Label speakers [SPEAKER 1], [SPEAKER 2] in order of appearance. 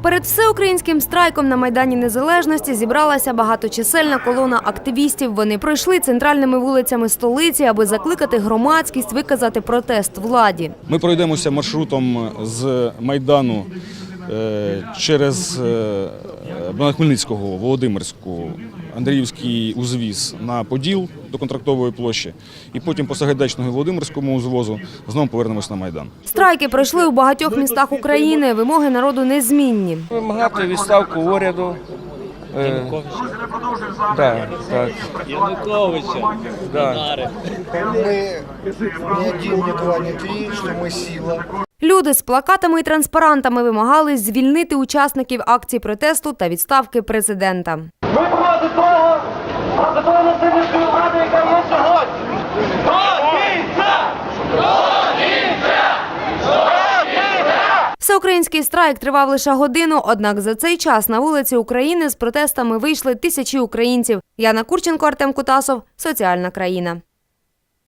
[SPEAKER 1] Перед всеукраїнським страйком на Майдані Незалежності зібралася багаточисельна колона активістів. Вони пройшли центральними вулицями столиці, аби закликати громадськість виказати протест владі.
[SPEAKER 2] Ми пройдемося маршрутом з Майдану через Богдана Хмельницького, Володимирську, Андріївський узвіз на Поділ до Контрактової площі і потім по Сагайдачного і Володимирському узвозу знову повернемось на Майдан.
[SPEAKER 1] Страйки пройшли у багатьох містах України. Вимоги народу незмінні.
[SPEAKER 3] Вимагати відставку уряду.
[SPEAKER 4] Януковича.
[SPEAKER 5] Мы ни один, ни два, ни три, что мы сила.
[SPEAKER 1] Люди з плакатами і транспарантами вимагали звільнити учасників акцій протесту та відставки президента.
[SPEAKER 6] Ми проти того насильницької влади, яка є сьогодні.
[SPEAKER 1] Всеукраїнський страйк тривав лише годину, однак за цей час на вулиці України з протестами вийшли тисячі українців. Яна Курченко, Артем Кутасов, Соціальна країна.